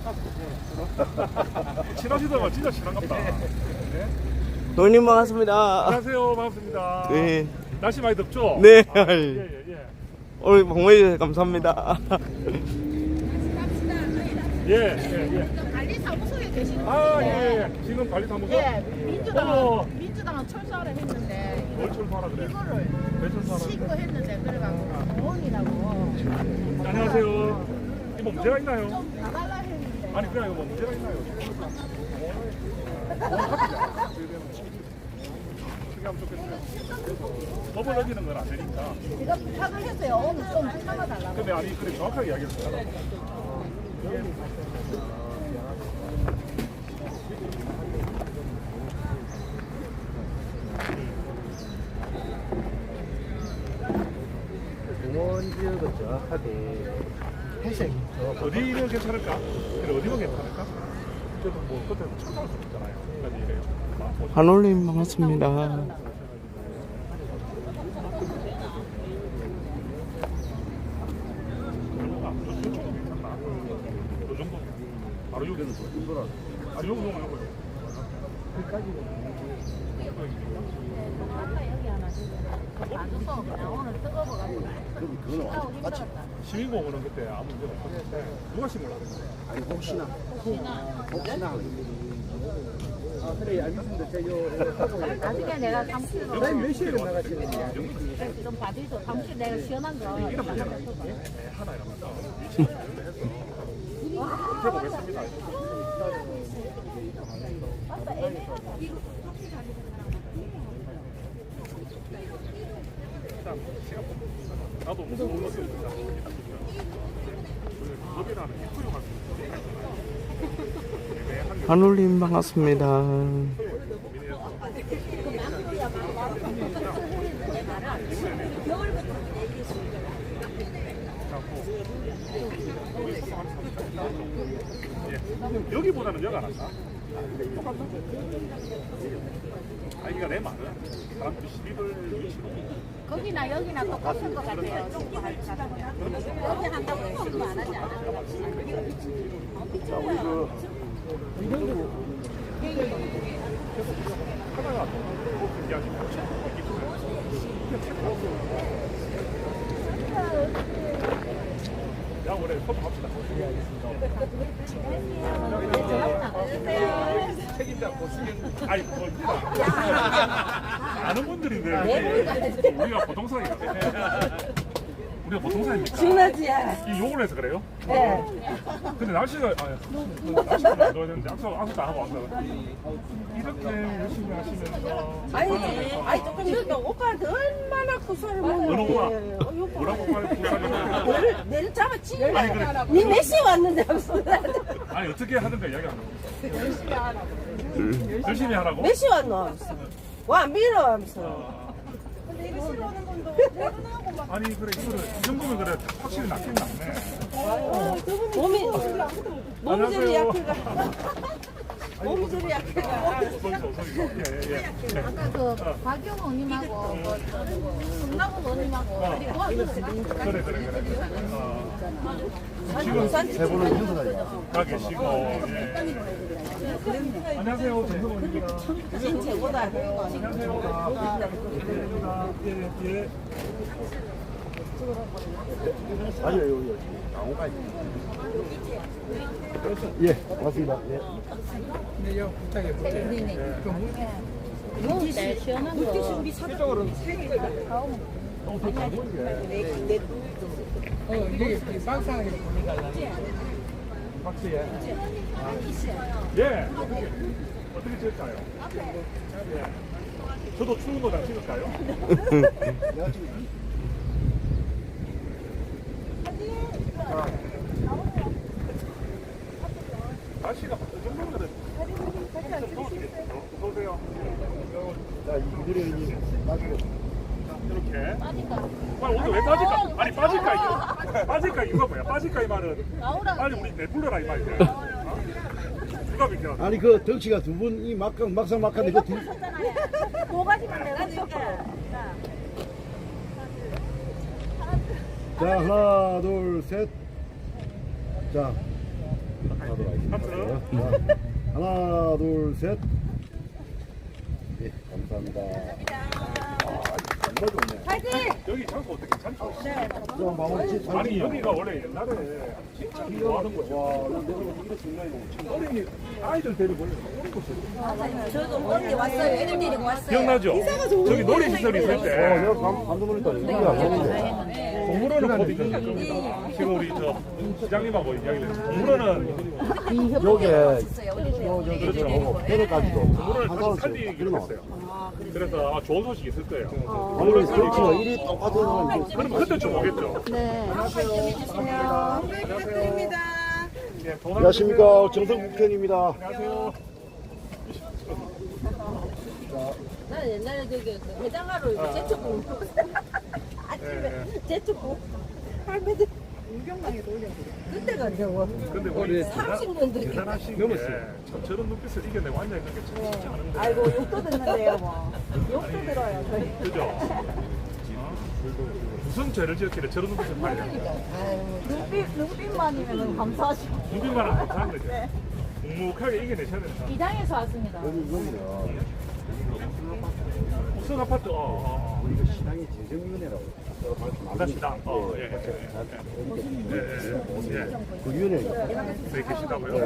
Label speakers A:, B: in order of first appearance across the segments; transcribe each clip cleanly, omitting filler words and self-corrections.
A: 친하시다가 진짜 친한갑다. 네.
B: 형님 반갑습니다.
A: 안녕하세요. 반갑습니다.
B: 네.
A: 날씨 많이 덥죠?
B: 네.
A: 예.
B: 오늘 방문해주셔서 감사합니다.
A: 예.
C: 관리사무소에 계시는
A: 아,
C: 분인데
A: 예. 지금 관리사무소?
C: 예,
A: 어머.
C: 민주당은 철수하라 했는데
A: 뭘 철수하라 그래?
C: 이거를
A: 왜 철수하라 그래?
C: 신고했는데 그래가지고 공원이라고
A: 안녕하세요. 이거 뭐 문제가 있나요?
C: 좀 나갈라 했는데
A: 아니, 그냥 이거 뭐 문제가 있나요? 어떻게 하면 좋겠어요? 법을 어기는 건 안 되니까.
C: 제가 부탁을 했어요. 오늘 좀 참아달라고.
A: 근데 아니, 그래 정확하게 이야기했어요.
D: 공원 지역은 정확하게 회색이
A: 어디면 괜찮을까? 그래, 어디면 괜찮을까? 그래도 뭐 그때 찾아올 수 있잖아요. 그러니까 이래요.
B: 한올님 반갑습니다.
A: 요 정도 바로 여기는 아 요거
C: 아까 여기 하나 놔줘서 그냥 오늘 뜨거워가지고
D: 그거는 완전 똑같이.
A: 시민공원은 그때 아무 문제가 없었는데 누가 심으려고 했어요?
D: 아니 혹시나 아 그래 알겠습니다. 제가
C: 나중에 내가 사무실로
D: 선생님 몇 시에 나가시는지
C: 좀 봐주죠. 사무실 내가 시원한 거
A: 이런 문제가 하나 이러면서 위치를 해서 해보겠습니다. 일단 시간 나도 무슨 물건이 있는지 법이라는 게 허용할 수 있어요.
B: 한올님 반갑습니다.
A: 여기보다는 여가 낫다. 똑같다. 아이가 내 말은 사람들이 시비를 위치로
C: 거기나 여기나 똑같은 것 같아요. 여기 한다고 지금 안 하지 않아요?
A: 자, 우리 하다가 야, 우리 서로 갑시다. 책임자 고수경. 아니, 뭐, 아는 분들인데, 우리가 보통사입니까? 우리가 보통사입니까?
E: 준하지야.
A: 이 욕을 해서 그래요?
E: 네.
A: 근데 날씨가, 날씨가 넣어야 되는데, 약속도 안 하고 왔다. 이렇게 열심히 하시면서.
E: 아니 조금 이거 오빠한테 얼마나 구설을
A: 어느
E: 먹는데.
A: 오빠? 뭐라고 말해?
E: 내를 잡았지.
A: 아니, 그래.
E: 니 몇 시에 왔는데 하면서.
A: 아니, 어떻게 하든가 이야기하는 거. 열심히 하라고?
E: 몇 시에 왔노 하면서. 와 밀어 하면서.
A: 아니, 그래, 이거를, 이 정도면 그래, 확실히 낫긴 낫네.
E: 몸이 저리
A: 안녕하세요.
E: 약해가. 몸이 저리 약해가.
A: 예.
C: 아까 그 박영 의원님하고 성남훈 의원님하고
A: 그래. 지금
D: 세 분은 행사가
A: 가 계시고, 예. 안녕하세요, 정성원입니다.
E: 진 최고다.
A: 안녕하세요. 예.
D: 아니요 여기 나무까지. 예 고맙습니다. 예.
C: 네, 시원한 거.
A: 박수예. 예. 어떻게 찍을까요? 예. 저도 추운 거 다 찍을까요? 날씨가 이 정도면 어서오세요.
D: 자 이들이 나중에
A: 이렇게. 빨리 오늘 왜 빠질까? 아니 빠질까 이게. 빠질까 이유가 뭐야? 빠질까 이 말은. 빨리 우리 내불러라 이 말이야. 누가 비켜?
D: 아니 그 덕치가 두 분이 막상 막하는데 그 둘.
C: 뭐가지만 내가 줄게.
D: 자 하나 둘 셋. 자 하도록 하겠습니다.
A: 하트.
D: 자, 하나, 둘, 셋. 예, 감사합니다. 정말 좋네.
A: 여기 장소 어떻게 괜찮죠?
D: 좀 마무리 짓.
A: 아니 여기가 원래 옛날에 진짜 좋아하는 곳이야.
D: 와, 이거 정말
A: 어린이 아이들 데리고 원래 오는 곳이에요.
C: 저도 어디 왔어요. 애들 데리고 왔어요.
A: 기억나죠? 저기 놀이시설이 있을 때
D: 내가 감독 놀랬다. 이거 안 되는데.
A: 동물원은 곧 있을 겁니다. 지금 우리 저 시장님하고 이야기를 했는데 동물원은
D: 요게
A: 그렇죠.
D: 배려까지도
A: 동물원을 다시 살리기로 했어요. 그래서 좋은 소식이 있을 거예요.
D: 아무래도 그렇죠. 일이 똑같은 사람.
A: 그럼 그때쯤 오겠죠.
C: 네.
E: 부탁드립니다.
A: 예, 돈
D: 안녕하십니까. 정성 국회의원입니다.
A: 안녕하세요.
C: 나는 옛날에 저기 그 해장하러 이거 제초국 아침에 제초국 할매들 유경당에 놀려. 그때가 이제 뭐
A: 근데 우리
C: 30년도
A: 대단하신 게 참 저런 눈빛을 이겨내고 앉아있는 게 참 쉽지 않은 거예요.
C: 아이고 욕도 듣는데요 뭐. 욕도 들어요 저희.
A: 그죠? 무슨 죄를 지었길래 저런 눈빛을 봐야 됩니까?
C: 눈빛만이면 감사하시고.
A: 눈빛만 안 감사한 거죠. 묵묵하게 이겨내셔야 된다.
C: 이장에서 왔습니다.
A: 무슨 아파트?
D: 우리가 신앙이 재정위원회라고
A: 반갑습니다. 예.
D: 그 위원회
A: 네, 계시다고요?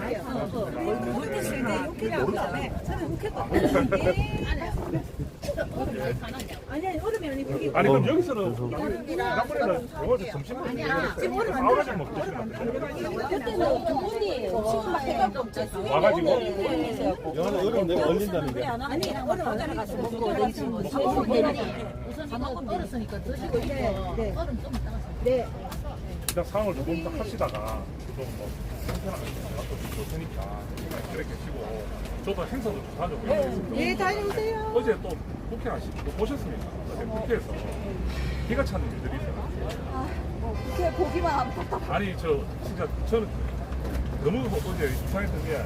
E: 아니 얼음이 아니고 이게
A: 아니 그럼 여기서는 지난번에는 영화에서 점심을 와가지고 뭐 드시면 안 돼요?
C: 그때는 두 분이 지금 막 해갖고 없잖아요.
A: 와가지고
D: 영화는 얼음 내가 얼린다는 게
C: 아니 얼음 안 가서 먹고 렌지 뭐 사먹으면 되는데 우선 방금 얼었으니까 드시고 있고 얼음 좀 이따가 네.
A: 일단 상황을 조금 더 하시다가 좀뭐 편안하게 또 좋을 테니까 그렇게 하시고 저도 행사도 좀 다녀보겠습니다.
E: 예 다녀오세요.
A: 어제 또 국회 하시고 보셨습니까? 어제 국회에서 기가 차는 일들이 있어요.
C: 그게 보기만 하면
A: 아니 저 진짜 저는 너무 어제 이상했던 게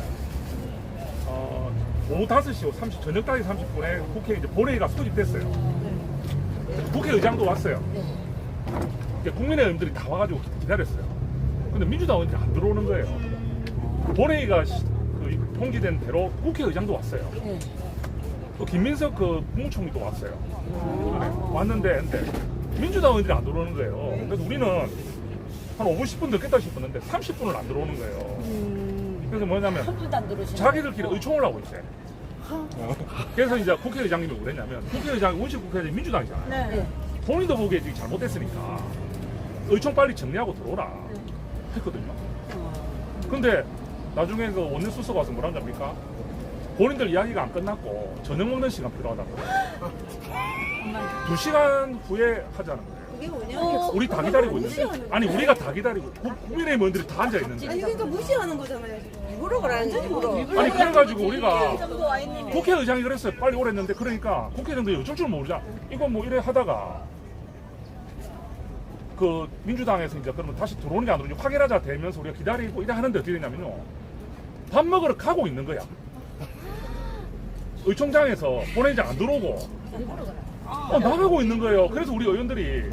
A: 오후 5시 30 저녁 5시 30분에 국회 이제 본회의가 소집됐어요. 국회의장도 왔어요. 그러니까 국민의 의원들이 다 와가지고 기다렸어요. 근데 민주당 의원들이 안 들어오는 거예요. 본회의가 통지된 대로 국회의장도 왔어요. 또 김민석 그 국무총리도 왔어요. 왔는데 근데 민주당 의원들이 안 들어오는 거예요. 그래서 우리는 한 5분 10분 늦겠다 싶었는데 30분을 안 들어오는 거예요. 그래서 뭐냐면 자기들끼리 의총을 하고 있어요. 그래서 이제 국회의장님이 뭐랬냐면 국회의장 원식 국회의장이 민주당이잖아요. 본인도 보기에 지금 잘못됐으니까 의총 빨리 정리하고 들어오라 했거든요. 근데 나중에 그 원내수석 와서 뭐라는 줄 압니까? 본인들 이야기가 안 끝났고 저녁 먹는 시간 필요하다고. 2시간 후에 하자는 거예요.
E: 이게 뭐냐?
A: 우리 다 기다리고 있는데. 아니 우리가 다 기다리고 국민의힘 의원들이 다 앉아 있는데.
E: 아니 그러니까 무시하는 거잖아요 지금. 일부러 그러는 거지 일부러.
A: 아니 그래가지고 우리가 국회의장이 그랬어요. 빨리 오랬는데 그러니까 국회의장도 어쩔 줄 모르자. 이거 뭐 이래 하다가 그 민주당에서 이제 그러면 다시 들어오는 게 안 들어오는지 확인하자 되면서 우리가 기다리고 이래 하는데 어떻게 되냐면요. 밥 먹으러 가고 있는 거야. 의총장에서 본회의장 안 들어오고 나가고 있는 거예요. 그래서 우리 의원들이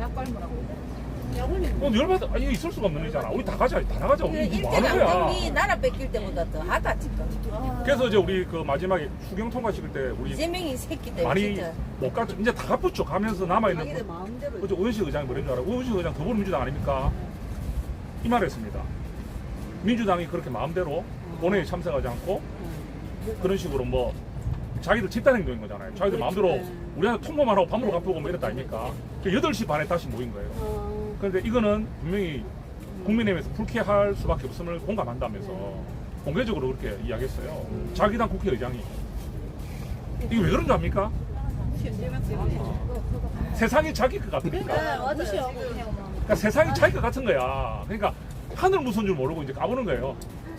A: 열받아. 이게 있을 수가 없는 일이잖아. 우리 다 가자, 다 나가자. 우리 뭐 하는 거야.
E: 일대장이 나라 뺏길 때보다 더 하다 지금.
A: 그래서 이제 우리 그 마지막에 추경 통과시킬 때 우리
E: 이재명이 새끼 때문에
A: 많이
E: 진짜.
A: 못 갔죠. 이제 다 갔죠. 가면서 남아있는
E: 자기들 마음대로.
A: 어제 오현식 의장이 뭐랬는 줄 알아? 오현식 의장 더불어민주당 아닙니까? 이 말을 했습니다. 민주당이 그렇게 마음대로 본회의에 참석하지 않고 그런 식으로 뭐 자기들 집단행동인 거잖아요. 자기들 마음대로 우리한테 통보만 하고 밥 먹으러 가보고 뭐 이랬다 아닙니까? 8시 반에 다시 모인 거예요. 그런데 이거는 분명히 국민의힘에서 불쾌할 수밖에 없음을 공감한다면서 공개적으로 그렇게 이야기했어요. 자기 당 국회의장이. 이게 왜 그런 줄 압니까? 세상이 자기 것 같으니까. 그러니까 세상이 자기 것 같은 거야. 그러니까 하늘 무서운 줄 모르고 이제 까보는 거예요.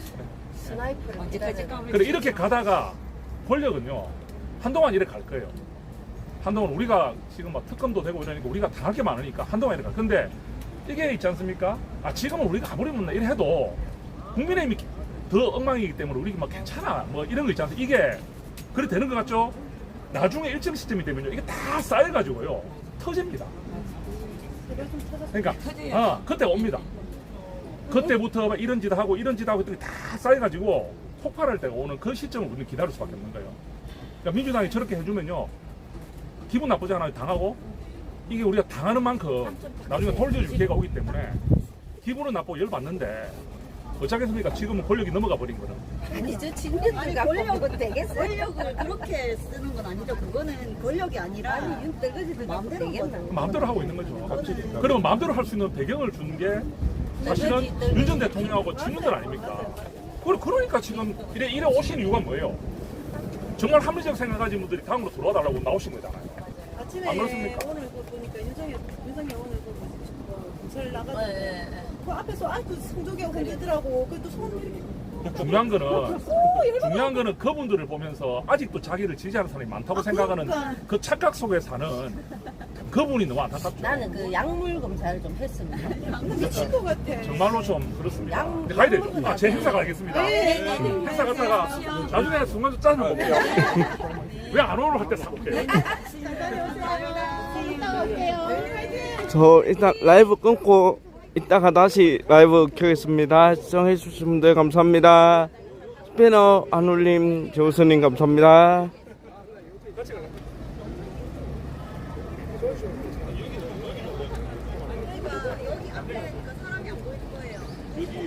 E: 언제까지
A: 그래 이렇게 가다가 권력은요 한동안 이래 갈 거예요. 한동안 우리가 지금 막 특검도 되고 이러니까 우리가 당할 게 많으니까 한동안 이래 갈. 근데 이게 있지 않습니까? 지금은 우리가 가버리면 이래 해도 국민의힘이 더 엉망이기 때문에 우리가 막 괜찮아 뭐 이런 거 있지 않습니까? 이게 그래 되는 것 같죠? 나중에 일정 시점이 되면요 이게 다 쌓여가지고요 터집니다. 그러니까 그때 옵니다. 그때부터 막 이런 짓 하고 이런 짓 하고 했더니 다 쌓여가지고 폭발할 때가 오는 그 시점을 우리는 기다릴 수밖에 없는 거예요. 그러니까 민주당이 저렇게 해주면요 기분 나쁘지 않아요. 당하고 이게 우리가 당하는 만큼 나중에 돌려줄 기회가 오기 때문에 기분은 나쁘고 열받는데 어쩌겠습니까? 지금은 권력이 넘어가 버린 거는.
C: 아니 저 친구들 갖고 뭐 되겠어요?
F: 권력을 그렇게 쓰는 건 아니죠. 그거는 권력이 아니라
C: 아니 윤떨거지들 갖고
F: 마음대로
C: 되겠나?
A: 마음대로 하고 있는 거죠. 그러면 마음대로 할 수 있는 배경을 주는 게 사실은 윤 전 대통령하고 친구들 아닙니까? 그러니까 지금 이래 오신 이유가 뭐예요? 정말 합리적 생각 가진 분들이 당으로 들어와달라고 나오신 거잖아요.
E: 아침에
A: 안 그렇습니까?
E: 오늘 그 보니까 윤석열 오늘 그 검찰 나가지고
C: 네.
E: 그 앞에서 아그 성조기가 흔들더라고. 그래도 손 이렇게
A: 중요한 거는 그분들을 보면서 아직도 자기를 지지하는 사람이 많다고 생각하는
E: 그러니까.
A: 그 착각 속에 사는 그분이 너무 안타깝죠.
C: 나는 그 약물 검사를 좀 했으면
E: 미친 것 같아.
A: 정말로 좀 그렇습니다.
C: 양-
A: 근데 가야 돼요. 제 행사 가겠습니다. 행사 갔다가 나중에 순간 짜증 먹게요. 왜 안 오러 할 때 사올게요.
B: 저 일단 라이브 끊고 이따가 다시 라이브 켜겠습니다. 시청해주신 분들 감사합니다. 스피너 한올림 조우선님 감사합니다.